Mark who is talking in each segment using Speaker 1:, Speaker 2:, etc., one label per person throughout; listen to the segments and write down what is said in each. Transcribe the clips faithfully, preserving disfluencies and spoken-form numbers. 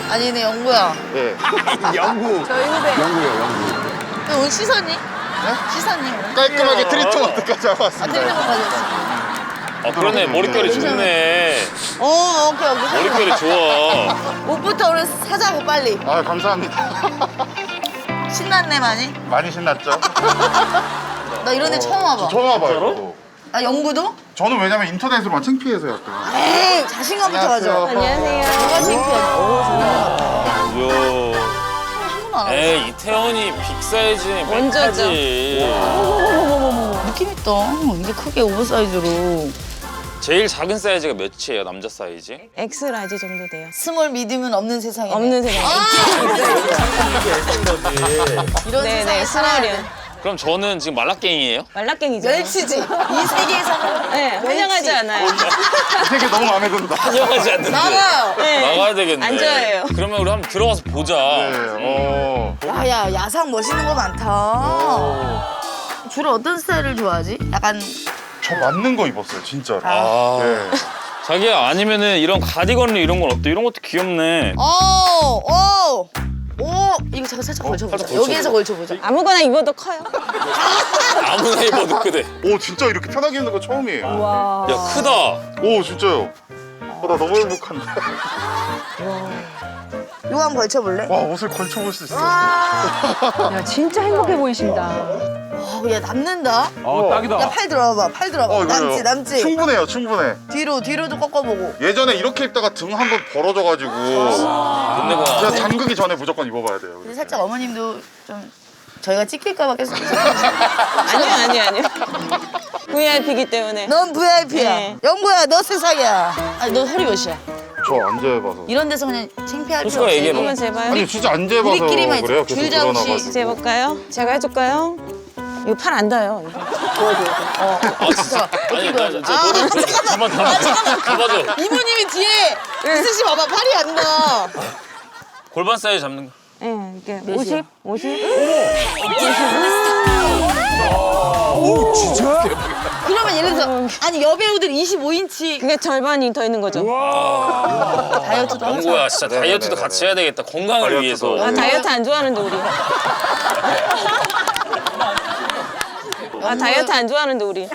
Speaker 1: 아니 근데 영구야.
Speaker 2: 네.
Speaker 3: 영구.
Speaker 1: 저희 후배.
Speaker 3: 영구요, 영구.
Speaker 1: 너 오늘 씻었니? 네? 씻었니 오늘?
Speaker 2: 깔끔하게 트리트먼트까지 하고
Speaker 1: 아
Speaker 2: 왔습니다.
Speaker 1: 트리트먼트까지 했어.
Speaker 4: 아 그러네 머릿결이 좋네.
Speaker 1: 어 오케이 오케이.
Speaker 4: 머릿결이 좋아.
Speaker 1: 옷부터 오늘 사자고 빨리.
Speaker 2: 아, 감사합니다.
Speaker 1: 신났네 많이?
Speaker 2: 많이 신났죠?
Speaker 1: 나 이런 데 처음 와봐.
Speaker 2: 처음 와봐요.
Speaker 1: 아 영구도?
Speaker 2: 저는 왜냐면 인터넷으로만 창피해서 약간.
Speaker 1: 에이 자신감부터 가져.
Speaker 2: 안녕하세요.
Speaker 1: 누가 창피해? 오 정말.
Speaker 4: 뭐야.
Speaker 1: 한 번도 안
Speaker 4: 에이 이태원이 빅 사이즈니
Speaker 5: 원조죠.
Speaker 1: 어머머머머머 느낌 있다. 이게 크게 오버사이즈로.
Speaker 4: 제일 작은 사이즈가 몇이에요 남자 사이즈?
Speaker 5: 엑스 라지 정도 돼요.
Speaker 1: 스몰 미디움은 없는 세상이네.
Speaker 5: 없는 세상.
Speaker 1: 이런
Speaker 5: 네네,
Speaker 1: 세상에 살아야
Speaker 5: 스몰이요.
Speaker 1: 돼.
Speaker 4: 그럼 저는 지금 말라깽이에요?
Speaker 5: 말라깽이죠.
Speaker 1: 멸치지. 이 세계에서는
Speaker 5: 네, 환영하지 않아요.
Speaker 2: 되게 너무 마음에 든다.
Speaker 4: 환영하지 않는데.
Speaker 1: 나가요.
Speaker 5: 네.
Speaker 4: 나가야 되겠네.
Speaker 5: 안 좋아해요.
Speaker 4: 그러면 우리 한번 들어가서 보자.
Speaker 2: 네, 어.
Speaker 1: 야야 야상 멋있는 거 많다. 주로 어떤 스타일을 좋아하지? 약간
Speaker 2: 저 맞는 거 입었어요, 진짜로.
Speaker 4: 아.
Speaker 2: 네.
Speaker 4: 자기야 아니면은 이런 가디건 이런 건 어때? 이런 것도 귀엽네.
Speaker 1: 오, 오, 오 이거 잠깐 살짝 걸쳐보자.
Speaker 4: 살짝
Speaker 1: 여기에서 걸쳐보자.
Speaker 5: 아무거나 입어도 커요.
Speaker 4: 아무나 입어도 크대.
Speaker 2: 오, 진짜 이렇게 편하게 입는 거 처음이에요.
Speaker 5: 와.
Speaker 4: 야 크다.
Speaker 2: 오, 진짜요. 어, 나 너무 행복한데.
Speaker 1: 이거 한번 걸쳐볼래?
Speaker 2: 와, 옷을 걸쳐볼 수 있어.
Speaker 6: 야 진짜 행복해 보이신다.
Speaker 1: 어, 야 남는다.
Speaker 3: 어, 딱이다.
Speaker 1: 야 팔 들어봐, 팔 들어봐.
Speaker 2: 어, 이거요.
Speaker 1: 남지, 남지.
Speaker 2: 충분해요, 충분해.
Speaker 1: 뒤로, 뒤로도 꺾어보고.
Speaker 2: 예전에 이렇게 입다가 등 한 번 벌어져가지고
Speaker 4: 근데
Speaker 2: 진짜
Speaker 4: 그
Speaker 2: 잠그기 전에 무조건 입어봐야 돼요.
Speaker 1: 근데 살짝 어머님도 좀 저희가 찍힐까봐 계속.
Speaker 5: 아니요, 아니요, 아니요. 브이아이피이기 때문에.
Speaker 1: 넌 브이아이피야.
Speaker 5: 네.
Speaker 1: 영구야, 너 세상이야. 아니, 너 허리 몇이야?
Speaker 2: 저 안 재봐서.
Speaker 1: 이런 데서 그냥 창피할 필요
Speaker 4: 솔직하게
Speaker 1: 없어.
Speaker 4: 얘기해봐.
Speaker 5: 한번 재봐요.
Speaker 2: 아니 진짜 안 재봐서
Speaker 1: 우리끼리만
Speaker 2: 그래요.
Speaker 1: 있어.
Speaker 2: 계속
Speaker 1: 줄 자국씩
Speaker 2: 늘어나가지고.
Speaker 5: 재볼까요? 제가 해줄까요? 이거 팔 안 닿아요. 이거.
Speaker 4: 아 진짜. 아니 나 진짜 너를 한번 잡아. 잡아줘.
Speaker 1: 이모님이 뒤에 있으시 봐봐, 팔이 안 나.
Speaker 4: 골반 사이즈 잡는 거.
Speaker 5: 네, 이게 오십, 오십.
Speaker 1: 그러면 예를 들어서 아니 여배우들 이십오 인치
Speaker 5: 그게 절반이 더 있는 거죠.
Speaker 1: 다이어트도 하자.
Speaker 4: 영구야 진짜
Speaker 2: 네,
Speaker 4: 다이어트도
Speaker 2: 네,
Speaker 4: 같이
Speaker 2: 네.
Speaker 4: 해야 되겠다. 건강을
Speaker 2: 다이어트도.
Speaker 4: 위해서.
Speaker 5: 아, 다이어트 안 좋아하는데 우리. 아, 다이어트 안 좋아하는데 우리.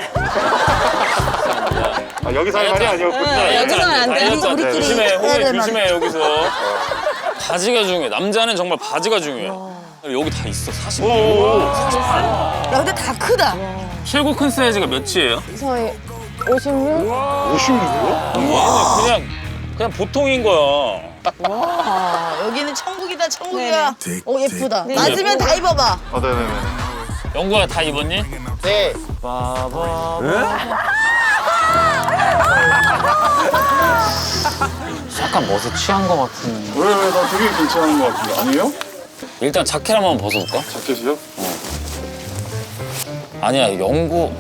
Speaker 2: 아, 여기서 할 말이 아니었군요.
Speaker 5: 네, 여기서는 안 돼.
Speaker 4: 다이어트 안 돼.
Speaker 1: 우리끼리
Speaker 4: 조심해.
Speaker 1: 해야
Speaker 4: 호흡
Speaker 1: 될
Speaker 4: 조심해 여기서. 바지가 중요해. 남자는 정말 바지가 중요해. 여기 다 있어. 사십.
Speaker 1: 야 근데 다 크다.
Speaker 4: 최고 큰 사이즈가 몇이에요?
Speaker 5: 저희 오십육?
Speaker 2: 오십육이요?
Speaker 4: 그냥 그냥 보통인 거야.
Speaker 1: 아 여기는 천국이다 천국이야. 오 예쁘다.
Speaker 5: 네.
Speaker 1: 맞으면 다 입어봐.
Speaker 2: 아, 네네네.
Speaker 4: 영구야 다 입었니?
Speaker 2: 네.
Speaker 4: 바바. 약간 멋에 취한 거 같은.
Speaker 2: 왜, 왜, 나 되게 괜찮은 것 같은데. 아니에요?
Speaker 4: 일단 자켓 한번 벗어볼까?
Speaker 2: 자켓이요?
Speaker 4: 아니야 영구.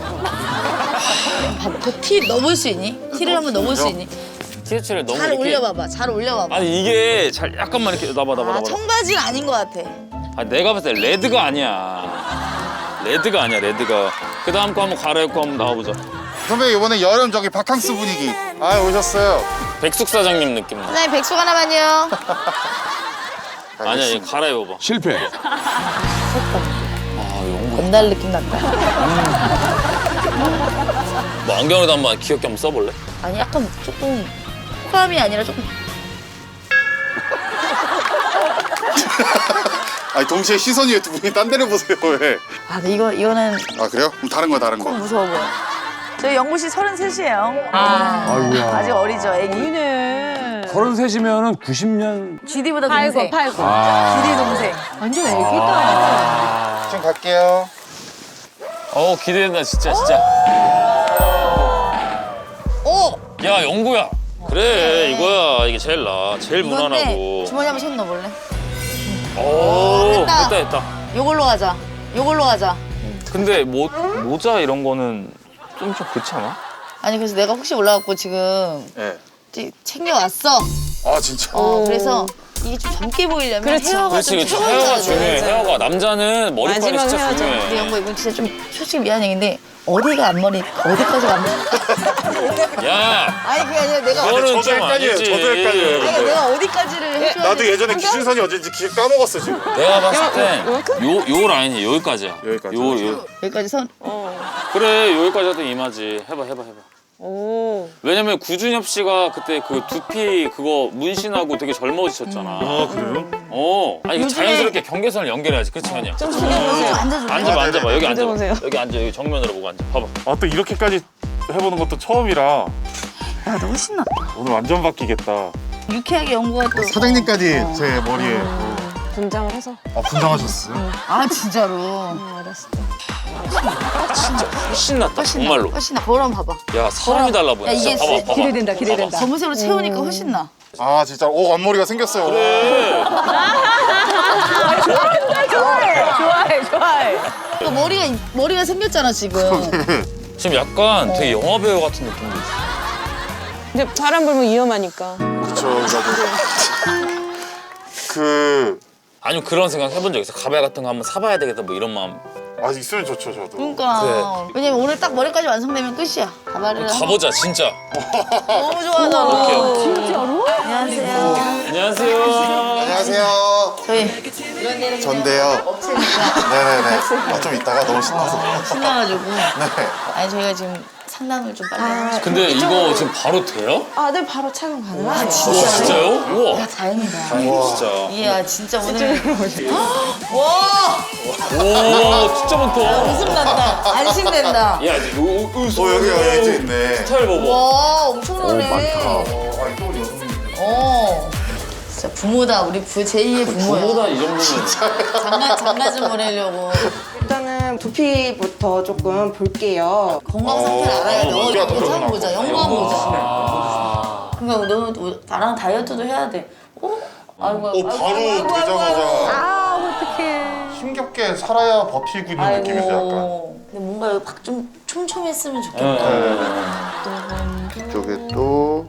Speaker 1: 그티 넣어볼 수 있니? 티를 한번 넣어볼 수 있니?
Speaker 4: 티셔츠를 너무
Speaker 1: 잘
Speaker 4: 이렇게.
Speaker 1: 올려봐봐. 잘 올려봐봐.
Speaker 4: 아니 이게 잘 약간만 이렇게 나봐 나봐
Speaker 1: 아
Speaker 4: 나봐.
Speaker 1: 청바지가 아닌 것 같아.
Speaker 4: 아 내가 봤을 때 레드가 아니야. 레드가 아니야 레드가. 그 다음 거 한번 갈아입고 한번 나와보자.
Speaker 2: 선배 이번에 여름 저기 바캉스 분위기. 아, 오셨어요.
Speaker 4: 백숙 사장님 느낌 나.
Speaker 1: 사장님 백숙 하나만요.
Speaker 4: 아니야 얘 갈아입어봐.
Speaker 3: 실패.
Speaker 4: 아 영구.
Speaker 1: 건달 느낌 났다.
Speaker 4: 뭐 안경에도 한번 귀엽게 한번 써볼래?
Speaker 1: 아니 약간 조금 호감이 아니라 조금
Speaker 2: 아니, 동시에 시선이 왜 두 분이 딴 데를 보세요, 왜?
Speaker 1: 아 근데 이거 이거는
Speaker 2: 아, 그래요? 그럼 다른 거, 다른 거.
Speaker 1: 무서워 보여. 저희 영구 씨 서른셋이에요. 아
Speaker 3: 아이고야.
Speaker 1: 아직 어리죠, 애기.
Speaker 6: 이네.
Speaker 3: 서른셋이면은 구십 년.
Speaker 1: 지디보다
Speaker 6: 팔고
Speaker 1: 동생.
Speaker 6: 팔고.
Speaker 3: 아.
Speaker 1: 지디 동생.
Speaker 6: 완전 애기다.
Speaker 2: 지금 갈게요.
Speaker 4: 어 기대된다 진짜 진짜.
Speaker 1: 오.
Speaker 4: 야 영구야. 그래 이거야 이게 제일 나. 제일
Speaker 1: 이건데
Speaker 4: 무난하고.
Speaker 1: 주머니 한번 손 넣어볼래?
Speaker 4: 오
Speaker 1: 됐다.
Speaker 4: 됐다 됐다.
Speaker 1: 요걸로 가자. 요걸로 가자.
Speaker 4: 근데 모, 모자 이런 거는 좀 좀 그렇지 않아?
Speaker 1: 아니 그래서 내가 혹시 올라갖고 지금
Speaker 2: 네.
Speaker 1: 찌- 챙겨왔어.
Speaker 2: 아, 진짜?
Speaker 1: 어 그래서 이게 좀 젊게 보이려면
Speaker 5: 그렇죠.
Speaker 1: 헤어가
Speaker 4: 그렇지
Speaker 1: 좀
Speaker 4: 그렇지.
Speaker 1: 최고인
Speaker 4: 헤어가
Speaker 1: 줄
Speaker 4: 중요해.
Speaker 1: 알아요.
Speaker 4: 헤어가 남자는 머리빨이
Speaker 5: 마지막
Speaker 4: 진짜
Speaker 5: 헤어져.
Speaker 4: 중요해.
Speaker 1: 근데 영보 이건 진짜 좀 솔직히 미안 얘기인데 어디가 앞머리 어디까지가 앞머리?
Speaker 4: 야,
Speaker 1: 아니 그게 아니라 내가
Speaker 4: 그거는
Speaker 2: 저도
Speaker 4: 좀
Speaker 2: 헷갈려요.
Speaker 4: 아니지.
Speaker 2: 저도 헷갈려요.
Speaker 1: 아니 그러니까 내가 어디까지를 해줘야
Speaker 2: 나도
Speaker 1: 되지?
Speaker 2: 예전에 기준선이 어딘지 기 까먹었어 지금.
Speaker 4: 내가 봤을 땐요요 라인이 여기까지야.
Speaker 2: 여기까지.
Speaker 4: 요 요.
Speaker 1: 여기까지 선.
Speaker 4: 그래 여기까지 해도 이마지. 해봐 해봐 해봐.
Speaker 5: 오.
Speaker 4: 왜냐면 구준엽 씨가 그때 그 두피 그거 문신하고 되게 젊어지셨잖아.
Speaker 2: 아 그래요?
Speaker 4: 어. 아니 그
Speaker 1: 요즘에-
Speaker 4: 자연스럽게 경계선을 연결해야지. 그렇지 아니야?
Speaker 5: 좀 숙여보세요.
Speaker 1: 앉아줘.
Speaker 4: 앉아봐
Speaker 2: 아,
Speaker 4: 앉아봐
Speaker 2: 네네.
Speaker 4: 여기 앉아봐.
Speaker 5: 앉아보세요.
Speaker 4: 여기 앉아 여기 정면으로 보고 앉아. 봐봐.
Speaker 2: 아 또 이렇게까지 해보는 것도 처음이라
Speaker 1: 야, 너 훨씬 낫다.
Speaker 2: 오늘 완전 바뀌겠다.
Speaker 1: 유쾌하게 연구가 또.
Speaker 2: 사장님까지 제 머리에
Speaker 5: 분장을 해서.
Speaker 2: 아 분장하셨어요?
Speaker 1: 아 진짜로.
Speaker 5: 알았어.
Speaker 4: 진짜 훨씬 낫다.
Speaker 1: 훨씬 나.
Speaker 4: 정말로.
Speaker 1: 훨씬 나. 거울 한번 봐봐.
Speaker 4: 야 사람이 달라 보여.
Speaker 1: 야, 이게
Speaker 4: 진짜. 봐봐 봐봐.
Speaker 6: 기대된다, 기대된다.
Speaker 1: 검은색으로 채우니까 훨씬 나.
Speaker 2: 아 진짜 오 앞머리가 생겼어요.
Speaker 4: 그래.
Speaker 6: 좋아해, 좋아해.
Speaker 1: 그 머리가 머리가 생겼잖아 지금.
Speaker 4: 지금 약간 되게 영화 배우 같은 느낌도 있어.
Speaker 5: 이제 바람 불면 위험하니까.
Speaker 2: 그렇죠. 나도 그
Speaker 4: 아니면 그런 생각 해본 적 있어? 가발 같은 거 한번 사봐야 되겠다 뭐 이런 마음.
Speaker 2: 아 있으면 좋죠 저도.
Speaker 1: 그러니까. 왜냐면 오늘 딱 머리까지 완성되면 끝이야. 가발을.
Speaker 4: 가보자 진짜.
Speaker 1: 너무 좋아하잖아.
Speaker 6: 진짜로?
Speaker 1: 안녕하세요.
Speaker 4: 안녕하세요.
Speaker 2: 안녕하세요.
Speaker 1: 저희
Speaker 2: 전데요.
Speaker 1: 업체니까
Speaker 2: 네네네. 아, 좀 이따가 너무 신나서.
Speaker 1: 신나가지고.
Speaker 2: 네.
Speaker 1: 아니 저희가 지금 상담을 좀 빨리 하고 싶어요.
Speaker 4: 근데 이거 지금 바로 돼요?
Speaker 5: 아, 네, 바로 착용 가능하세요.
Speaker 4: 와 진짜요? 우와.
Speaker 1: 야 다행이다.
Speaker 4: 진짜.
Speaker 1: 이야 진짜 오늘. 와
Speaker 4: 오 진짜 많다.
Speaker 1: 웃음 난다. 안심된다.
Speaker 4: 야 이제 요, 요, 요,
Speaker 2: 어 여기 여기 이제 있네.
Speaker 4: 스타일 봐봐.
Speaker 1: 와 엄청나네.
Speaker 2: 어, 아니 또 여성분들.
Speaker 1: 어. 진짜 부모다 우리 부 제이의 부모야.
Speaker 4: 저보다 이 정도면
Speaker 1: 장가 장가 좀 보내려고.
Speaker 7: 일단은 두피부터 조금 볼게요.
Speaker 1: 건강 상태를 알아야 돼.
Speaker 2: 어,
Speaker 1: 어,
Speaker 2: 어깨가
Speaker 1: 이거
Speaker 2: 더
Speaker 1: 한번 보자. 영광
Speaker 4: 아.
Speaker 1: 보자. 그러니까 너, 너 나랑 다이어트도 해야 돼. 어? 아이고,
Speaker 2: 어
Speaker 1: 아이고,
Speaker 2: 바로
Speaker 1: 아이고, 아이고,
Speaker 2: 되자마자
Speaker 6: 아, 어떡해.
Speaker 2: 힘겹게 살아야 버티고 있는
Speaker 1: 아이고.
Speaker 2: 느낌이죠 약간.
Speaker 1: 근데 뭔가 여기 박좀 촘촘했으면 좋겠다.
Speaker 2: 네. 이쪽에 또.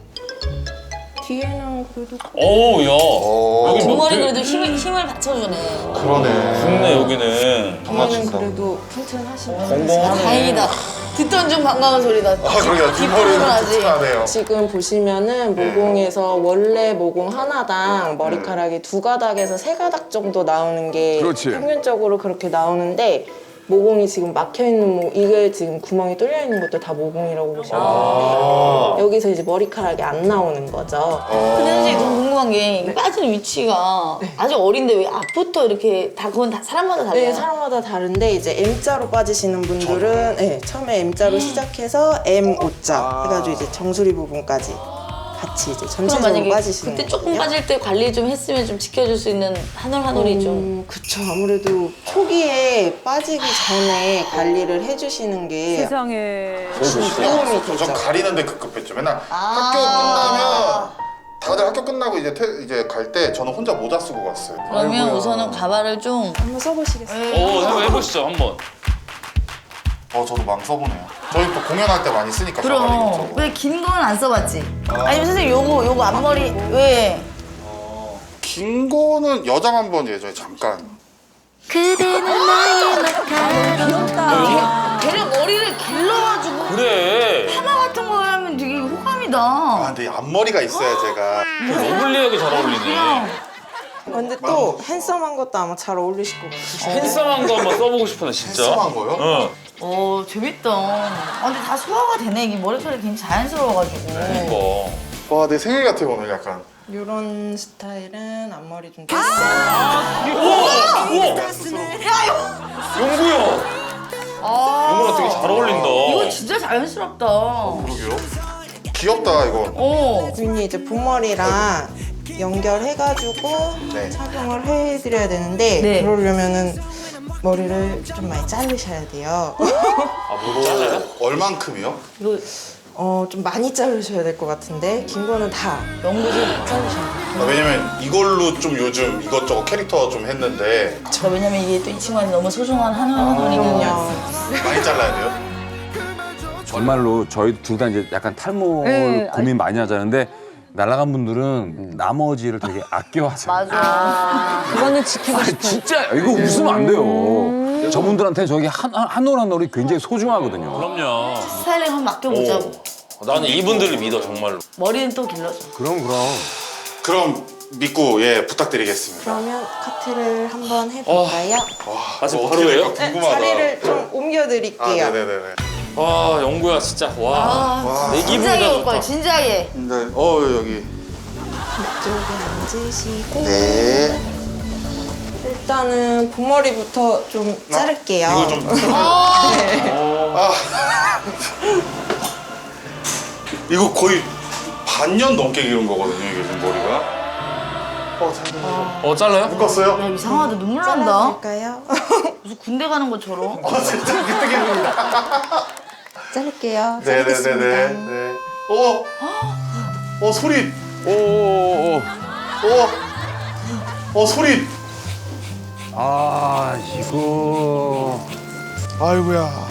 Speaker 7: 뒤에는 그래도
Speaker 4: 오우 야.
Speaker 2: 어.
Speaker 4: 여기 뭐
Speaker 1: 뒷머리
Speaker 4: 되게
Speaker 1: 그래도 힘을 힘을 받쳐주네.
Speaker 2: 그러네.
Speaker 4: 좋네 여기는.
Speaker 7: 뒤에는
Speaker 2: 맞춘다.
Speaker 7: 그래도 튼튼하시고
Speaker 1: 아,
Speaker 4: 건강하네.
Speaker 1: 다행이다. 듣던 중 반가운 소리다.
Speaker 2: 아 그러게 뒷머리는
Speaker 1: 하지.
Speaker 2: 튼튼하네요.
Speaker 7: 지금 보시면은 모공에서 원래 모공 하나당 머리카락이 두 가닥에서 세 가닥 정도 나오는 게
Speaker 3: 그렇지.
Speaker 7: 평균적으로 그렇게 나오는데 모공이 지금 막혀 있는 모 이게 지금 구멍이 뚫려 있는 것도 다 모공이라고 보시면 되는데 여기서 이제 머리카락이 안 나오는 거죠.
Speaker 1: 근데 선생님 너무 궁금한 게 이게 빠지는 위치가 아직 어린데 왜 앞부터 이렇게 다 그건 다 사람마다 달라요?
Speaker 7: 네, 사람마다 다른데 이제 M자로 빠지시는 분들은 네, 처음에 M자로 시작해서 M, O자 해가지고 이제 정수리 부분까지 같이 이제
Speaker 1: 그럼
Speaker 7: 전체적으로
Speaker 1: 만약에
Speaker 7: 빠지시는
Speaker 1: 그때 조금
Speaker 7: 거거든요.
Speaker 1: 빠질 때 관리 좀 했으면 좀 지켜줄 수 있는 한올 한올이 좀.
Speaker 7: 음, 그쵸. 아무래도 초기에 빠지기 전에 관리를 해주시는 게
Speaker 6: 세상에.
Speaker 7: 도움이 되죠.
Speaker 2: 전 가리는데 급급했죠. 맨날
Speaker 1: 아.
Speaker 2: 학교 끝나면 다들 학교 끝나고 이제 퇴, 이제 갈 때 저는 혼자 모자 쓰고 갔어요.
Speaker 1: 그러면
Speaker 2: 아이고야.
Speaker 1: 우선은 가발을 좀.
Speaker 7: 한번 써보시겠어요?
Speaker 4: 오 한번 해보시죠 한번.
Speaker 2: 어 저도 막 써보네요. 저희 또 공연할 때 많이 쓰니까 가발이
Speaker 1: 그럼
Speaker 2: 저거.
Speaker 1: 왜 긴 건 안 써봤지? 아니면 선생님 요거 요거 앞머리 왜?
Speaker 2: 긴 거는 여장 한번 예전에 잠깐.
Speaker 1: 걔를 머리를 길러가지고
Speaker 4: 그래.
Speaker 1: 파마 같은 거 하면 되게
Speaker 2: 아
Speaker 1: 호감이다.
Speaker 2: 근데 앞머리가 있어야 제가.
Speaker 4: 러블리하게 잘 어울리네.
Speaker 7: 근데 또 핸섬한 것도 아마 잘 어울리실 것 같아요.
Speaker 4: 핸섬한 거 한번 써보고 싶네 진짜.
Speaker 2: 핸섬한 거요?
Speaker 4: 응.
Speaker 1: 오 재밌다. 아, 근데 다 소화가 되네. 이게 머리카락이 굉장히 자연스러워가지고.
Speaker 4: 이거.
Speaker 2: 와 내 생일 같아 오늘 약간.
Speaker 7: 이런 스타일은 앞머리 좀
Speaker 1: 아!
Speaker 7: 뺐어요.
Speaker 4: 우와 우와. 용구야. 용구랑 되게 잘 어울린다.
Speaker 1: 이거 진짜 자연스럽다.
Speaker 2: 그러게요. 귀엽다 이거.
Speaker 1: 어.
Speaker 7: 주인이 이제 본머리랑 연결해가지고
Speaker 2: 네.
Speaker 7: 착용을 해드려야 되는데
Speaker 1: 네.
Speaker 7: 그러려면은 머리를 좀 많이 자르셔야 돼요.
Speaker 4: 아뭐 잘라요?
Speaker 2: 얼만큼이요?
Speaker 1: 이거
Speaker 7: 어, 좀 많이 자르셔야 될 것 같은데 긴 거는 다
Speaker 1: 연구 좀 자르셔야 돼.
Speaker 2: 아, 왜냐면 이걸로 좀 요즘 이것저것 캐릭터 좀 했는데
Speaker 1: 저 왜냐면 이게 또 이 친구한테 너무 소중한 한올 한올이거든요.
Speaker 7: 그럼요.
Speaker 2: 많이 잘라야 돼요?
Speaker 3: 정말로 저희 둘 다 이제 약간 탈모를
Speaker 6: 네,
Speaker 3: 고민 많이 하자는데 날아간 분들은 나머지를 되게 아껴하세요.
Speaker 1: 맞아.
Speaker 6: 그거는 지키고
Speaker 3: 아,
Speaker 6: 싶어요.
Speaker 3: 진짜 이거 웃으면 안 돼요. 저분들한테 저기 한 한 올 한 올이 굉장히 소중하거든요.
Speaker 4: 그럼요.
Speaker 1: 스타일링 한번 맡겨보자고.
Speaker 4: 나는 이분들을 믿어 정말로.
Speaker 1: 머리는 또 길러줘.
Speaker 3: 그럼 그럼.
Speaker 2: 그럼 믿고 예 부탁드리겠습니다.
Speaker 7: 그러면 카트를 한번 해볼까요?
Speaker 4: 아직
Speaker 2: 뭐
Speaker 4: 바로예요?
Speaker 2: 어떻게 될까
Speaker 7: 네,
Speaker 2: 궁금하다.
Speaker 7: 자리를 좀
Speaker 2: 아
Speaker 7: 옮겨드릴게요.
Speaker 2: 네네네네.
Speaker 4: 와 영구야 진짜 와.
Speaker 1: 아,
Speaker 4: 내 기분이
Speaker 1: 진지하게
Speaker 4: 다
Speaker 1: 올 거야,
Speaker 4: 좋다.
Speaker 1: 진지하게.
Speaker 2: 네. 어 여기.
Speaker 7: 이쪽에 앉으시고
Speaker 2: 네.
Speaker 7: 일단은 봄머리부터 좀 자를게요.
Speaker 2: 이거 좀.
Speaker 1: 어.
Speaker 2: 아. 이거 거의 반년 넘게 기른 거거든요 이게 지금 머리가. 어 잠깐만요.
Speaker 4: 어 잘라요?
Speaker 2: 묶었어요?
Speaker 1: 야, 이상하다. 눈물 난다.
Speaker 7: 잘라줄까요?
Speaker 1: 무슨 군대 가는 것처럼.
Speaker 2: 어 진짜 그때 기분이다.
Speaker 7: 자를게요.
Speaker 2: 네네네네.
Speaker 7: 자르겠습니다.
Speaker 2: 네. 어. 어 소리.
Speaker 3: 오오오.
Speaker 2: 어. 어 소리.
Speaker 3: 아 이거.
Speaker 2: 아이고야.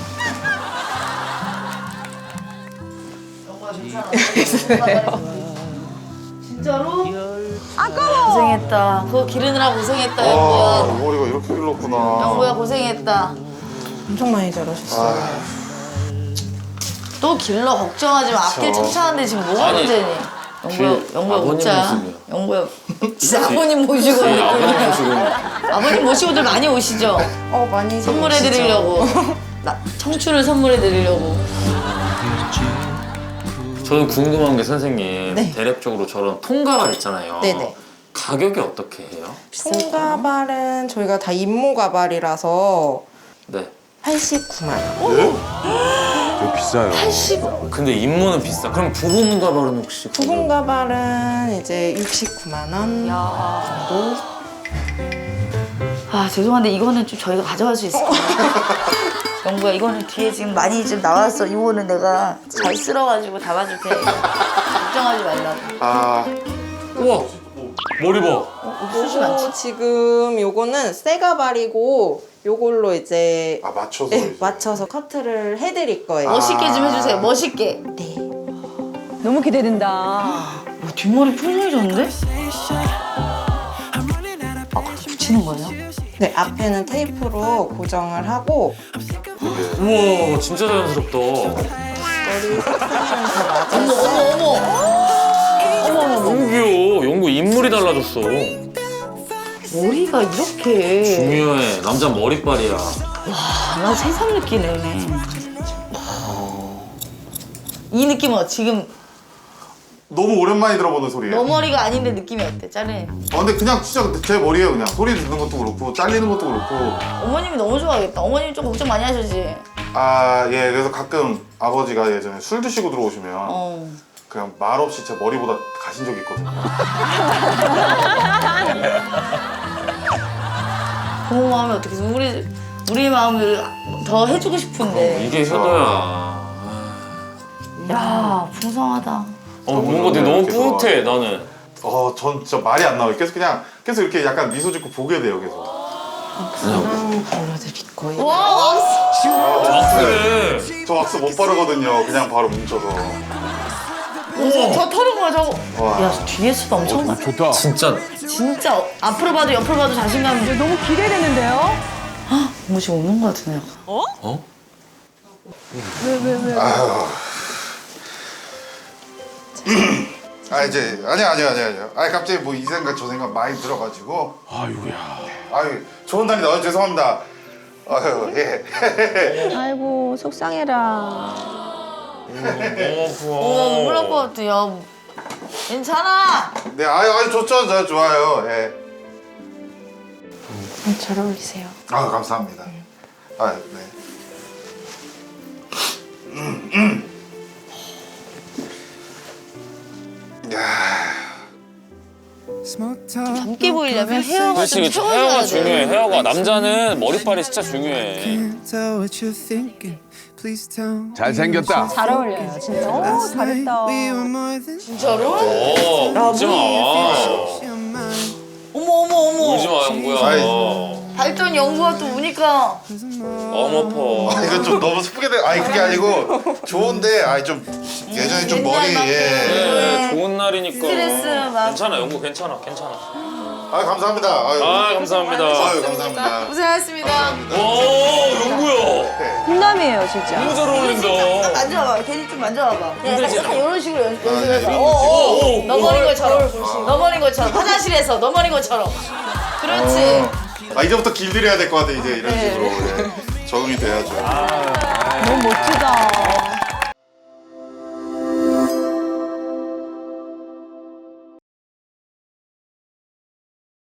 Speaker 1: 진짜로? 아까워. 고생했다. 그거 기르느라 고생했다,
Speaker 2: 아
Speaker 1: 영구야.
Speaker 2: 머리가 이렇게 길렀구나.
Speaker 1: 영구야 고생했다.
Speaker 7: 엄청 많이 자르셨어요.
Speaker 1: 또 길러 걱정하지 마. 앞길
Speaker 2: 그쵸.
Speaker 1: 튼튼한데 지금 뭐가
Speaker 4: 아니,
Speaker 1: 문제니? 영구야,
Speaker 4: 뒤에
Speaker 1: 영구야
Speaker 4: 아버님
Speaker 1: 웃자.
Speaker 4: 모습이요.
Speaker 1: 영구야. 진짜 아버님 모시고
Speaker 4: 네, 아버님
Speaker 1: 오늘
Speaker 4: 모시고.
Speaker 1: 아버님 모시고들 많이 오시죠?
Speaker 7: 어 많이
Speaker 1: 선물해
Speaker 7: 오시죠?
Speaker 1: 드리려고. 나 청춘을 선물해 드리려고.
Speaker 4: 저는 궁금한 게 선생님
Speaker 7: 네.
Speaker 4: 대략적으로 저런 통가발 있잖아요.
Speaker 7: 네네.
Speaker 4: 가격이 어떻게 해요?
Speaker 7: 통가발은 저희가 다 임모 가발이라서
Speaker 4: 네.
Speaker 7: 팔십구만 원.
Speaker 3: 되게 비싸요.
Speaker 4: 근데 임무는 비싸. 그럼 부분 가발은 혹시
Speaker 7: 부분 가발은 이제 육십구만 원
Speaker 1: 야.
Speaker 7: 정도.
Speaker 1: 아 죄송한데 이거는 좀 저희가 가져갈 수 있을까요? 영구야 이거는 뒤에 지금 많이 좀 나왔어. 이거는 내가 잘 쓸어가지고 담아줄 테니까 걱정하지 말라고.
Speaker 2: 아.
Speaker 4: 우와 머리 봐.
Speaker 1: 옥수수 많지?
Speaker 7: 요거 지금 요거는 새 가발이고 요걸로 이제
Speaker 2: 아 맞춰서.
Speaker 7: 네,
Speaker 2: 이제.
Speaker 7: 맞춰서 커트를 해드릴 거예요.
Speaker 1: 멋있게 좀 해주세요. 멋있게.
Speaker 7: 네.
Speaker 6: 너무 기대된다.
Speaker 1: 어, 뒷머리 풍성해졌는데? 아 그렇게 붙이는 거예요?
Speaker 7: 네, 앞에는 테이프로 고정을 하고
Speaker 4: 우와 진짜 자연스럽다.
Speaker 7: 머리 색상은 다 맞아서
Speaker 1: 어머 어머 어머.
Speaker 4: 너무 귀여워. 영구 인물이 달라졌어.
Speaker 1: 머리가 이렇게.
Speaker 4: 중요해. 남자 머리빨이야.
Speaker 1: 나 새삼 느끼네. 이 느낌은 지금
Speaker 2: 너무 오랜만에 들어보는 소리예요.
Speaker 1: 너 머리가 아닌데 느낌이 어때? 짜네.
Speaker 2: 아 근데 그냥 진짜 제 머리예요 그냥. 소리 듣는 것도 그렇고 잘리는 것도 그렇고.
Speaker 1: 어머님이 너무 좋아하겠다. 어머님이 좀 걱정 많이 하시지?
Speaker 2: 아 예 그래서 가끔 아버지가 예전에 술 드시고 들어오시면
Speaker 1: 어.
Speaker 2: 그냥 말 없이 제 머리보다 가신 적이 있거든요.
Speaker 1: 부모 마음이 어떻게 해서 우리 우리 마음을 더 해주고 싶은데.
Speaker 4: 이게 효도야.
Speaker 1: 야 풍성하다.
Speaker 4: 어 뭔가 되게 너무 뿌듯해 나는.
Speaker 2: 어전 진짜 말이 안 나와요. 계속 그냥 계속 이렇게 약간 미소 짓고 보게 돼요 계속.
Speaker 7: 그냥 발라드릴 거예요.
Speaker 1: 와
Speaker 4: 그래.
Speaker 2: 저 왁스 못 바르거든요. 그냥 바로 뭉쳐서.
Speaker 1: 저 털은 거야 저거.
Speaker 2: 와.
Speaker 1: 야 뒤에서도 엄청 나.
Speaker 3: 좋다.
Speaker 4: 진짜
Speaker 1: 진짜 어, 앞으로 봐도 옆으로 봐도 자신감이.
Speaker 6: 너무 기대되는데요?
Speaker 1: 뭐 지금 오는 거 같은데.
Speaker 4: 어?
Speaker 2: 아 이제 아니야 아니야 아니야 아니야. 아 갑자기 뭐 이 생각 저 생각 많이 들어가지고.
Speaker 3: 아이고야.
Speaker 2: 아유 좋은 날이다. 아, 죄송합니다. 아유 예.
Speaker 6: 아이고 속상해라.
Speaker 4: 너무 고마워.
Speaker 1: 어 눈물 날 것 같아. 야 괜찮아.
Speaker 2: 네 아유 아유 좋죠 저 좋아요. 예.
Speaker 7: 음, 잘 어울리세요.
Speaker 2: 아 감사합니다. 아 네. 음, 음. 야.
Speaker 1: 젊게 보이려면 헤어가
Speaker 4: 그렇지
Speaker 1: 좀
Speaker 4: 그렇지.
Speaker 1: 채워줘야
Speaker 4: 헤어가
Speaker 1: 돼.
Speaker 4: 중요해. 헤어가 남자는 머리빨이 진짜 중요해.
Speaker 3: 잘생겼다.
Speaker 6: 잘 어울려요 진짜. 오 잘했다.
Speaker 1: 진짜로?
Speaker 4: 어 울지 마.
Speaker 1: 어머 어머 어머.
Speaker 4: 울지 마 영구야.
Speaker 2: 아이.
Speaker 4: 어.
Speaker 1: 발전 연구가 또 우니까
Speaker 4: 어머퍼.
Speaker 2: 아, 이건 좀 너무 슬프게 돼. 아니 그게 아니고 좋은데 아니 좀 예전에 좀 머리
Speaker 1: 옛날
Speaker 2: 예.
Speaker 4: 네, 좋은 날이니까.
Speaker 1: 스트레스 막-
Speaker 4: 괜찮아, 영구 괜찮아, 괜찮아.
Speaker 2: 아 감사합니다. 아유,
Speaker 4: 아, 감사합니다.
Speaker 2: 아유 감사합니다.
Speaker 1: 고생하셨습니다.
Speaker 2: 감사합니다.
Speaker 4: 오, 영구야.
Speaker 6: 훈남이에요 진짜.
Speaker 4: 너무 잘 어울린다.
Speaker 1: 만져봐봐. 걔를 좀 만져봐봐. 약간,
Speaker 4: 힘들지
Speaker 1: 약간 이런 식으로 연,
Speaker 2: 아, 네,
Speaker 1: 연습해봐.
Speaker 2: 이런
Speaker 1: 어, 어,
Speaker 4: 오, 오,
Speaker 1: 너머린
Speaker 4: 오.
Speaker 1: 것처럼. 너머린 것처럼. 화장실에서 너머린 것처럼. 그렇지.
Speaker 2: 아 이제부터 길들여야 될 것 같아 이제 이런 식으로 예. 적응이 돼야죠.
Speaker 6: 너무 멋지다.